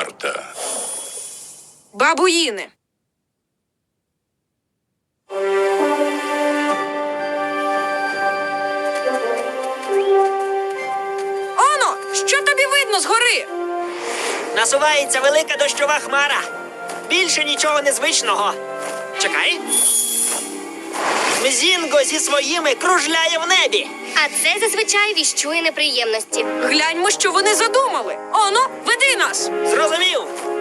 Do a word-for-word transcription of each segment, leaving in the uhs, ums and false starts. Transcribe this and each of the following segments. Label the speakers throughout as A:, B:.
A: варта?
B: Бабуїни. Оно, що тобі видно згори?
C: Насувається велика дощова хмара. Більше нічого незвичного. Чекай. Мзінго зі своїми кружляє в небі.
D: А це зазвичай віщує неприємності.
B: Гляньмо, що вони задумали. Оно, веди нас.
C: Зрозумів.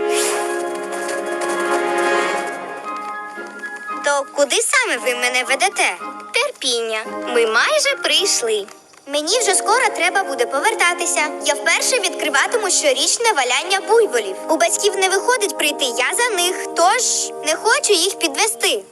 D: То куди саме ви мене ведете? Терпіння. Ми майже прийшли. Мені вже скоро треба буде повертатися. Я вперше відкриватиму щорічне валяння буйволів. У батьків не виходить прийти, я за них, тож не хочу їх підвести.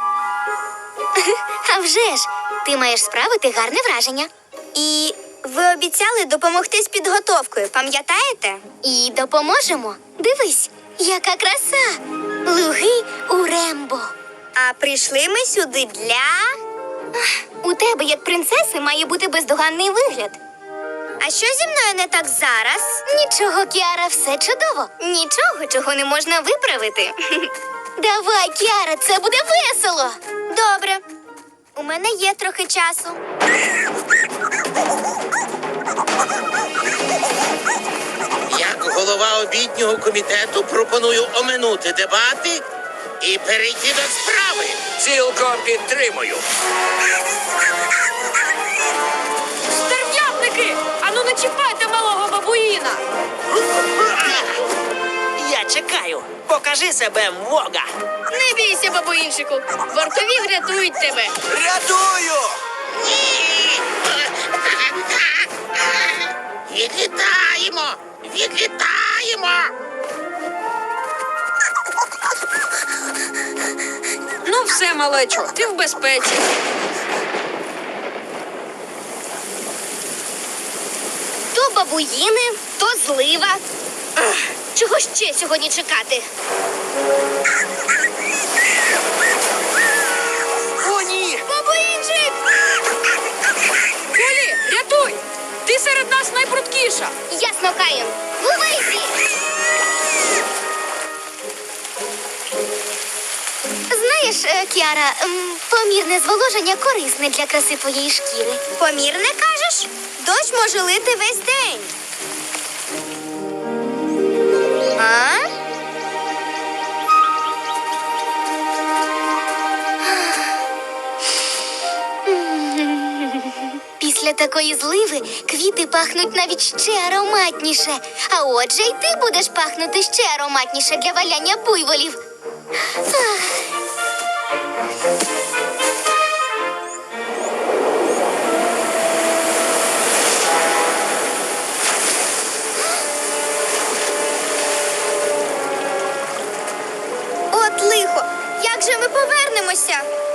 D: А вже ж, ти маєш справити гарне враження. І ви обіцяли допомогти з підготовкою, пам'ятаєте? І допоможемо. Дивись, яка краса! Луги у Рембо. А прийшли ми сюди для... У тебе, як принцеси, має бути бездоганний вигляд. А що зі мною не так зараз? Нічого, Кіара, все чудово. Нічого, чого не можна виправити. Давай, Кіара, це буде весело. Добре. У мене є трохи часу.
E: Як голова обіднього комітету пропоную оминути дебати і перейти до справи.
A: Цілком підтримую.
B: Стерв'ятники! Ану не чіпайте малого бабуїна!
C: Я чекаю. Покажи себе, Мвога.
D: Не бійся, бабуїнчику. Вартові врятують тебе.
C: Рятую!
E: Відлітаємо! Відлітаємо!
B: Ну все, малечо, ти в безпеці.
D: То бабуїни, то злива. Ах, чого ще сьогодні чекати?
C: О, ні!
D: Бабуїнчик!
B: Полі, рятуй! Ти серед нас найпрудкіша.
D: Ясно, Каїн. Ловися! Знаєш, е, Кіара, м, помірне зволоження корисне для краси твоєї шкіри. Помірне, кажеш? Дощ може лити весь день. А? Після такої зливи квіти пахнуть навіть ще ароматніше. А отже, й ти будеш пахнути ще ароматніше для валяння буйволів. Ах. От лихо! Як же ми повернемося?